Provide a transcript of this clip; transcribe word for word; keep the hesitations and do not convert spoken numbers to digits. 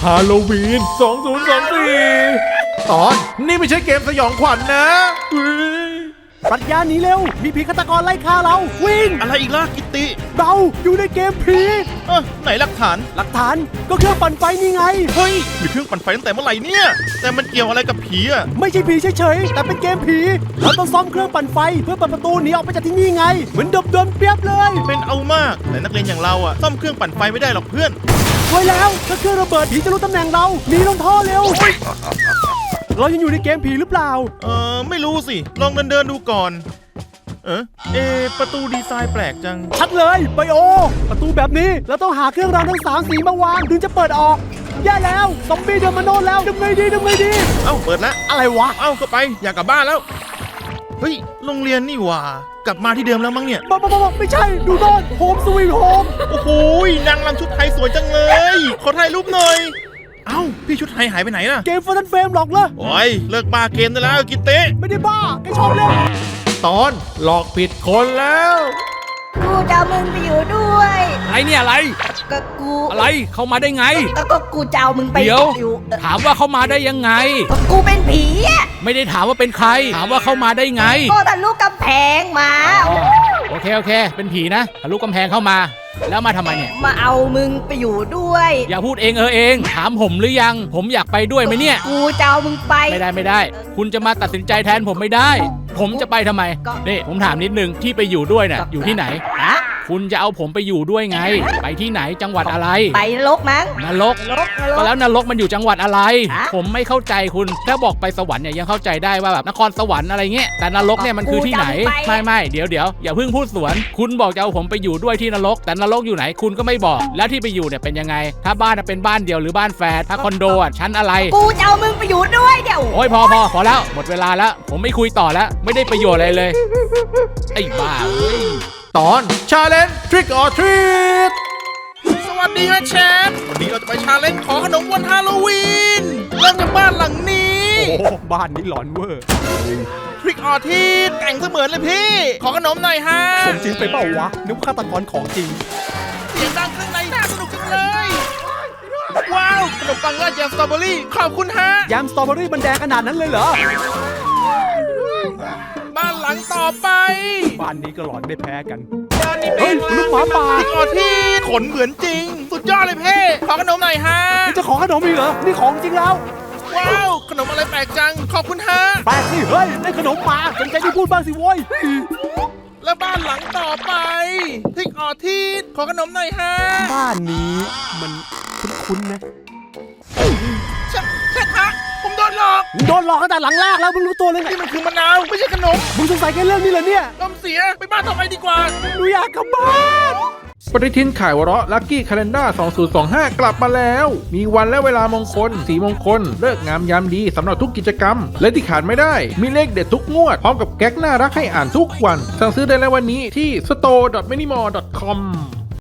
ฮาโลวีนสองพันยี่สิบสี่ตอนนี่ไม่ใช่เกมสยองขวัญนะปรัชญาหนีเร็วมีผีฆาตกรไล่ฆ่าเราวิ่งอะไรอีกล่ะกิตติเราอยู่ในเกมผีเออไหนหลักฐานหลักฐานก็เครื่องปั่นไฟนี่ไงเฮ้ยมีเครื่องปั่นไฟตั้งแต่เมื่อไหร่เนี่ยแต่มันเกี่ยวอะไรกับผีอ่ะไม่ใช่ผีเฉยๆแต่เป็นเกมผีเราต้องซ่อมเครื่องปั่นไฟเพื่อเปิดประตูหนีออกไปจากที่นี่ไงเหมือนเดิมๆเปียบเลยเป็นเอามากแต่นักเรียนอย่างเราอ่ะซ่อมเครื่องปั่นไฟไม่ได้หรอกเพื่อนไว้แล้วถ้าเครื่องระเบิดผีจะรู้ตำแหน่งเราหนีลงท่อเร็วเรายังอยู่ในเกมผีหรือเปล่าเออไม่รู้สิลองเดินเดินดูก่อนเออเอประตูดีไซน์แปลกจังชัดเลยไบโอประตูแบบนี้เราต้องหาเครื่องรางทั้งสามสีมาวางถึงจะเปิดออกแย่แล้วซอมบี้เดินมาโน่นแล้วทำไงดีทำไงดีเอ้าเปิดแล้วอะไรวะเอ้าเข้าไปอยากกลับบ้านแล้วเฮ้ยโรงเรียนนี่หว่ากลับมาที่เดิมแล้วมั้งเนี่ยบ้าบ้าไม่ใช่ดูโน่นโฮมสวีทโฮมโอ้โหนางรำชุดไทยสวยจังเลยขอถ่ายรูปหน่อยเอ้าพี่ชุดไทยหายไปไหนล่ะเกมฟอร์ทันเฟรมหรอกเหรอโอ้ยเลิกบ้าเกมได้แล้วกิตเต้ไม่ได้บ้าแกชอบเล่นตอนหลอกผิดคนแล้วกูจะเอามึงไปอยู่ด้วยอะไรเนี่ยอะไรก็กูอะไรเข้ามาได้ไงก็ก็กูจะเอามึงไปเดี๋ยวอยู่ถามว่าเข้ามาได้ยังไงก็กูเป็นผีอ่ะไม่ได้ถามว่าเป็นใครถามว่าเข้ามาได้ไงก็ทะลุกำแพงมาโอเคโอเคเป็นผีนะทะลุกำแพงเข้ามาแล้วมาทำไมเนี่ยมาเอามึงไปอยู่ด้วยอย่าพูดเองเออเองถามผมหรือยังผมอยากไปด้วยไหมเนี่ยกูจะเอามึงไปไม่ได้ไม่ได้คุณจะมาตัดสินใจแทนผมไม่ได้ผมจะไปทำไมนี่ผมถามนิดนึงที่ไปอยู่ด้วยเนี่ยอยู่ที่ไหนคุณจะเอาผมไปอยู่ด้วยไงไปที่ไหนจังหวัดอะไรไปนรกมั้งนรกก็แล้วนรกมันอยู่จังหวัดอะไรผมไม่เข้าใจคุณถ้าบอกไปสวรรค์เนี่ยยังเข้าใจได้ว่าแบบนครสวรรค์อะไรเงี้ยแต่นรกเนี่ยมันคือที่ไหนไม่ไม่เดี๋ยวเดี๋ยวอย่าเพิ่งพูดสวนคุณบอกจะเอาผมไปอยู่ด้วยที่นรกแต่นรกอยู่ไหนคุณก็ไม่บอกแล้วที่ไปอยู่เนี่ยเป็นยังไงถ้าบ้านเป็นบ้านเดียวหรือบ้านแฝดถ้าคอนโดอ่ะชั้นอะไรกูจะเอามึงไปอยู่ด้วยเดี๋ยวโอ้ยพอพอพอแล้วหมดเวลาแล้วผมไม่คุยต่อแล้วไม่ได้ประโยชน์อะไรเลยไอ้บ้าเว้ยตอน Challenge Trick or Treat สวัสดีนะแชมป์วันนี้เราจะไปชาเลนจ์ขอขนมวันฮาโลวีนเริ่มจากบ้านหลังนี้โอ้บ้านนี้หลอนเวอร์ Trick or Treat แต่งเสมือนเลยพี่ขอขนมหน่อยฮะสมจริงไปเปล่าวะนึกฆาตกรของจริงเสียงดังข้างในน่าสนุกจังเลยว้าวขนมปังราดแยมสตรอเบอรี่ขอบคุณฮะแยมสตรอเบอรี่มันแดงขนาดนั้นเลยเหรอบ้านหลังต่อไปบ้านนี้ก็หลอนไม่แพ้กันเฮ้ยลูกหมาป่าที่กอที่ขนเหมือนจริงสุดยอดเลยเพ่ขอขนมหน่อยฮะนี่จะขอขนมอีกเหรอนี่ของจริงแล้วว้าวขนมอะไรแปลกจังขอบคุณฮะแปลกสิเฮ้ยได้ขนมมาสนใจที่พูดบ้างสิโว้ยแล้วบ้านหลังต่อไปที่กอที่ขอขนมหน่อยฮะบ้านนี้มันคุ้นๆนะใช่ใช่ฮะผมโดนหลอกโดนหลอกตั้งแต่หลังแรกแล้วมึงรู้ตัวเลยนี่มันคือมะนาวไม่ใช่ขนมมึงสงสัยแค่เรื่องนี้เหรอเนี่ยลมเสียไปบ้านต่อไปดีกว่าหนูอยากกลับบ้านปฏิทินข่ายวเราะลัคกี้คาเลนด้าสองพันยี่สิบห้ากลับมาแล้วมีวันและเวลามงคลสีมงคลเลิกงามยามดีสำหรับทุกกิจกรรมและที่ขาดไม่ได้มีเลขเด็ดทุกงวดพร้อมกับแก๊กน่ารักให้อ่านทุกวันสั่งซื้อได้แล้ววันนี้ที่ สโตร์ ดอท มินิมอล ดอท คอม